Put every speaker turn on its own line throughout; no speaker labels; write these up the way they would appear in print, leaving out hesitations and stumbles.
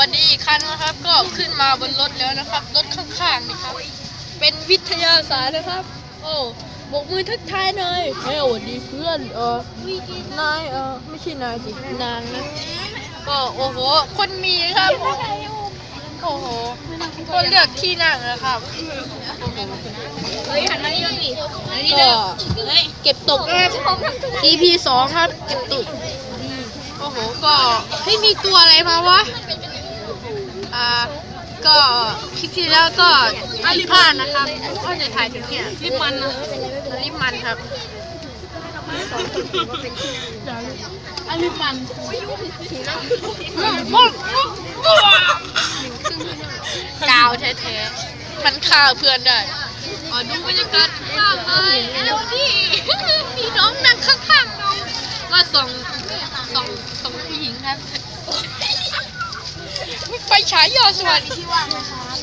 วัสดีอีกครั้งนะครับก็ขึ้นมาบนรถแล้วนะครับรถข้างๆนี่ครับเป็นวิทยาศาสตร์นะครับโอ้บกมือทักทายหน่อยเฮ้ยสวัสดีเพื่อนนายไม่ใช่นายสินางนะก็โอ้โหคนมีครับโอ้โหก็เลือกที่นั่งนะครับ
เฮ้ยหันมานี่ดิ
ก็เก็บตกนะครับ EP 2ครับเก็บตกโอ้โหก็ไม่มีตัวอะไรมาวะก็คลิปที่แล้วก็ผิดพลาดนะครับก็จะถ่ายถึงเนี่ยลิปมันนะลิปมันครับลิปมันกาวแท้ๆมันฆ่าเพื่อนได้ดูบรรยากาศข้างเลยแล้วนี่มีน้องนั่งข้างๆน้องก็ส่งผู้หญิงครับไฟฉายยอดสวัสดีที่ว่างนะครับ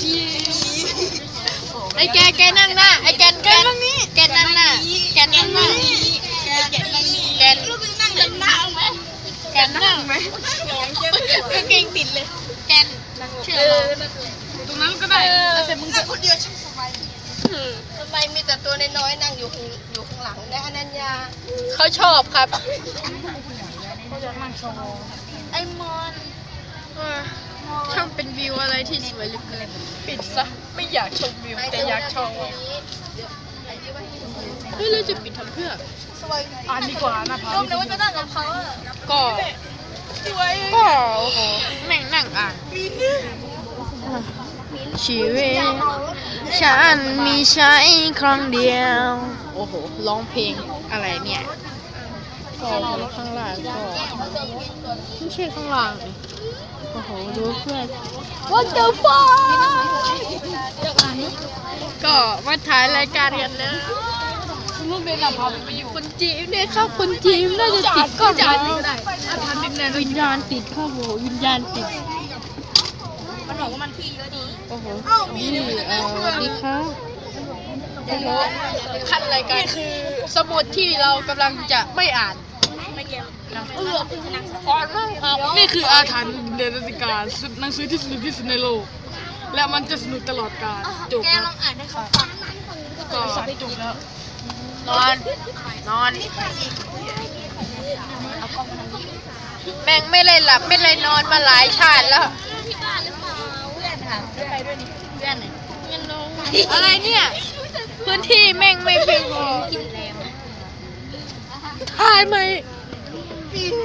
ไอ้แกนั่งหน้าไอ้แกนั่งนี้แกนั่งหน้าแกนั่งนี้แกนั่งนี้แกนั่งไหมแกนั่งไหมกางเกงติดเลยแกเชื่อตรงนั้นก็ได้แต่มึงจะคนเดียวช่างสบายทำไมมีแต่ตัวน้อยๆนั่งอยู่ข้างหลังได้อนัญญาเขาชอบครับไอ้มอนช่างเป็นวิวอะไรที่สวยเหลือเกินปิดซะไม่อยากชมวิวแต่อยากชมเฮ้ยเราจะปิดทำเพื่ออ่านดีกว่านะพาลูกนะว่าจะนั่งกับเขาก็โอ้โหแม่งนั่งอ่านชีวิตฉันมีใช้ครั้งเดียวโอ้โหร้องเพลงอะไรเนี่ยก็ข้างล่างก็ไม่ใช่ข้างล่างเลยโอ้โหดูเพื่อน What the fuck ก็มาถ่ายรายการกันแล้วลูกเบนพาไปอยู่คนจีมเนี่ยครับคนจีมน่าจะติดก็ได้วิญญาณติดครับโหวิญญาณติด
มันบอกว่ามันพี่เยอะดี
โอ้โหนี่สวัสดีครับโอ้โหขั้นรายการคือสมุดที่เรากำลังจะไม่อ่าน
นี่คืออาถรรพ์เดนติการหนังสือที่สนุกที่สุดในโลกและมันจะสนุกตลอดกาลจบ
แกลองอ่านให้เขาฟัง
ก็จบแล้ว
นอนแม่งไม่เลยหลับไม่เลยนอนมาหลายชาติแล้วอะไรเนี่ยพื้นที่แม่งไม่เพียงพอถ่ายไหม